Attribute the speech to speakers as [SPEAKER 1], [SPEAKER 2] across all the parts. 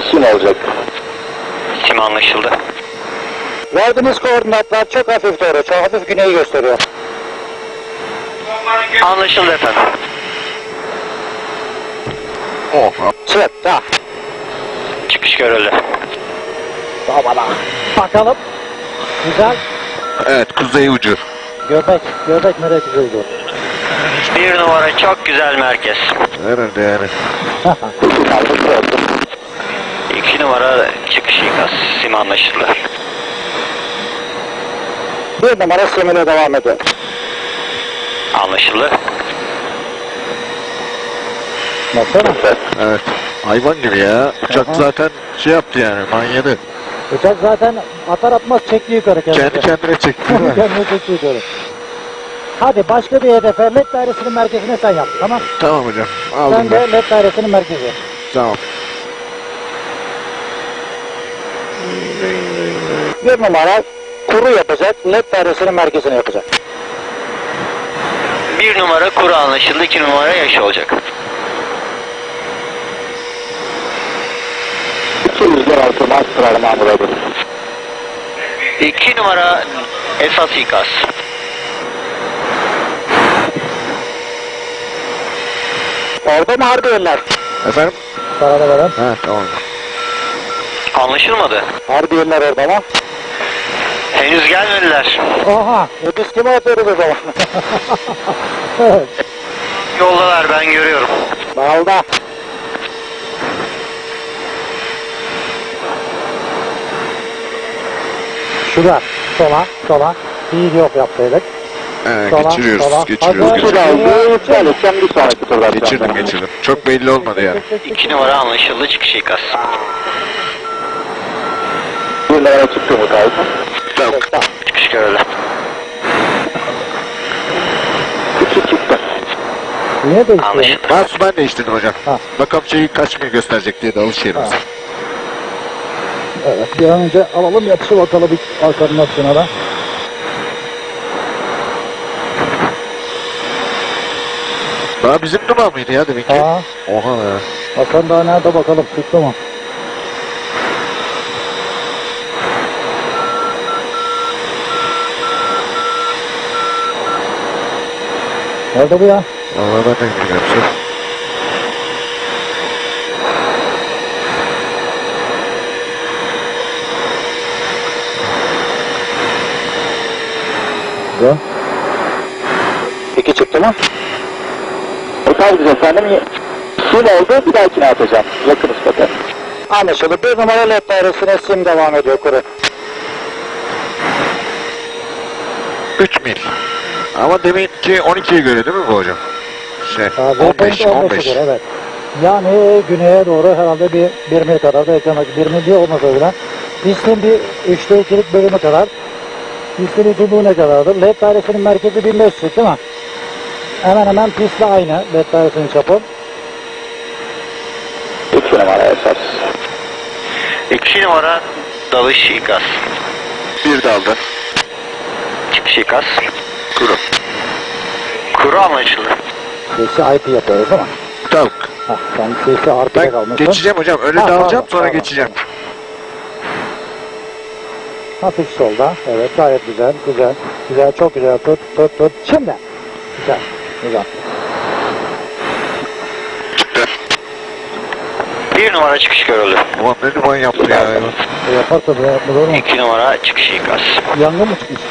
[SPEAKER 1] sim olacak.
[SPEAKER 2] Sim anlaşıldı.
[SPEAKER 3] Verdiğiniz koordinatlar çok hafif doğru, çok hafif güneyi gösteriyor.
[SPEAKER 2] Anlaşıldı efendim.
[SPEAKER 4] Oh.
[SPEAKER 3] Evet, daha.
[SPEAKER 2] Çıkış görüldü.
[SPEAKER 3] Bakalım. Güzel.
[SPEAKER 4] Evet, kuzey ucu.
[SPEAKER 3] Göbek nereye güzeldi?
[SPEAKER 2] 1 numara çok güzel merkez.
[SPEAKER 4] Herhalde yani.
[SPEAKER 2] 2 numara çıkış ikaz. Sim anlaşıldı.
[SPEAKER 3] 1 numara simine devam ediyor.
[SPEAKER 2] Anlaşıldı.
[SPEAKER 3] Nasıl?
[SPEAKER 4] Evet. Hayvan gibi ya. Uçak zaten şey yaptı yani, manyadı.
[SPEAKER 3] Uçak zaten atar atmaz çekti yukarı kendisi.
[SPEAKER 4] Kendi kendine çekti değil mi?
[SPEAKER 3] Kendini çekti yukarı. Hadi başka bir hedefe LED dairesinin merkezine sen yap, tamam?
[SPEAKER 4] Tamam hocam.
[SPEAKER 3] Sen
[SPEAKER 4] Aldım
[SPEAKER 3] de
[SPEAKER 4] ben.
[SPEAKER 3] LED dairesinin merkezi.
[SPEAKER 4] Tamam.
[SPEAKER 3] 1 numara kuru yapacak, LED dairesinin merkezine yapacak.
[SPEAKER 2] 1 numara kuru anlaşıldı. 2 numara yaş olacak.
[SPEAKER 1] 206 Master Mamur adı.
[SPEAKER 2] 2 numara esas ikaz.
[SPEAKER 3] Orada mı Harbiye'liler?
[SPEAKER 4] Efendim?
[SPEAKER 3] Sarada veren.
[SPEAKER 4] Ha, tamam.
[SPEAKER 2] Anlaşılmadı.
[SPEAKER 3] Harbiye'liler orada mı?
[SPEAKER 2] Henüz gelmediler.
[SPEAKER 3] Oha! Biz kime atıyoruz o zaman? Evet.
[SPEAKER 2] Yoldalar, ben görüyorum.
[SPEAKER 3] Balda. Şurada. Sola. Bir yok yapsaydık. Sola,
[SPEAKER 4] Geçiriyoruz,
[SPEAKER 3] sola.
[SPEAKER 4] geçiriyoruz,
[SPEAKER 3] Hadi.
[SPEAKER 4] geçiriyoruz.
[SPEAKER 1] Aldı, iptal edeceğim bir sonraki turda.
[SPEAKER 4] Geçirdim. Çok belli olmadı yani.
[SPEAKER 2] 2 numara anlaşıldı. Çıkış ikaz.
[SPEAKER 1] 1 numara çıktı mı kaydı?
[SPEAKER 4] Tamam.
[SPEAKER 2] Çıkış görüldü.
[SPEAKER 1] 2 çıktı.
[SPEAKER 3] Niye değişti?
[SPEAKER 2] Anlaşıldı.
[SPEAKER 4] Ben değiştirdim hocam.
[SPEAKER 3] Ha.
[SPEAKER 4] Bakalım şeyi kaç mil gösterecek diye de alış yerimiz.
[SPEAKER 3] Ha. Evet, bir an önce alalım yapışı bakalım bir koordinasyona da.
[SPEAKER 4] Daha bizim numara mıydı ya demek ki?
[SPEAKER 3] Ha,
[SPEAKER 4] Oha ya.
[SPEAKER 3] Hasan daha nerede bakalım, çıktı mı? Nerede bu ya?
[SPEAKER 4] Vallahi ben de bilmiyorum.
[SPEAKER 3] Güzel.
[SPEAKER 1] 2 çıktı mı? Efendim efendim. Sim oldu, bir dahakine atacağım. Yakınız bakın.
[SPEAKER 3] Anlaşıldı. 1 numara LED dairesine sim devam ediyor kuru.
[SPEAKER 4] 3 mil. Ama demek ki 12'ye göre değil mi bu hocam? 15.
[SPEAKER 3] 15'e göre, evet. Yani güneye doğru herhalde bir mil kadar da eklemek. 1 mil diye olmasa bile. Pistin bir 3'te 2'lik bölümü kadar. Pistin uzunluğu ne kadardır? LED dairesinin merkezi 1500 değil mi? Hemen hemen pistle aynı LED dairesinin çapı.
[SPEAKER 1] 2 numara esas.
[SPEAKER 2] 2 numara dalış ikaz.
[SPEAKER 4] Bir daldı.
[SPEAKER 2] Çıkış ikaz.
[SPEAKER 4] Kuru.
[SPEAKER 2] Kuru anlaşıldı.
[SPEAKER 3] Sesi IP yapıyoruz değil mi?
[SPEAKER 4] Tamam.
[SPEAKER 3] Hah, sen sesi RP'de
[SPEAKER 4] Ben
[SPEAKER 3] kalmışsın.
[SPEAKER 4] geçeceğim hocam. Öyle
[SPEAKER 3] Ha,
[SPEAKER 4] dalacağım
[SPEAKER 3] pardon,
[SPEAKER 4] sonra
[SPEAKER 3] pardon.
[SPEAKER 4] geçeceğim.
[SPEAKER 3] Hafif solda. Evet, gayet güzel. Güzel, çok güzel. Tut. Şimdi. Güzel.
[SPEAKER 2] 1 numara çıkış görüldü.
[SPEAKER 4] Ulan ne duman yaptı ya.
[SPEAKER 3] Yapar tabii, yapma doğru mu?
[SPEAKER 2] 2 numara çıkış ikaz.
[SPEAKER 3] Yangın mı çıkmış?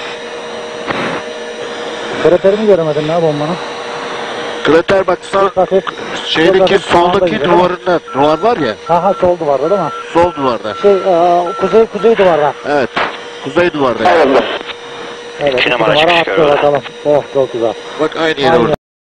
[SPEAKER 3] Kraterini göremedim ya bombanın.
[SPEAKER 4] Krater bak sağ
[SPEAKER 3] Hafif.
[SPEAKER 4] şeydeki
[SPEAKER 3] hafif sağında
[SPEAKER 4] soldaki
[SPEAKER 3] gidiyor.
[SPEAKER 4] duvarında. Duvar var ya.
[SPEAKER 3] Ha, sol duvarda değil mi?
[SPEAKER 4] Sol duvarda.
[SPEAKER 3] Kuzey duvarda.
[SPEAKER 4] Evet. Kuzey duvarda. Yani.
[SPEAKER 1] Alalım.
[SPEAKER 3] Evet,
[SPEAKER 2] 2
[SPEAKER 3] 2
[SPEAKER 2] numara
[SPEAKER 3] numara
[SPEAKER 2] çıkış
[SPEAKER 3] attı
[SPEAKER 2] görüldü.
[SPEAKER 3] bakalım. Oh, çok güzel.
[SPEAKER 4] Bak aynı yere
[SPEAKER 3] Aynı.
[SPEAKER 4] vurdu.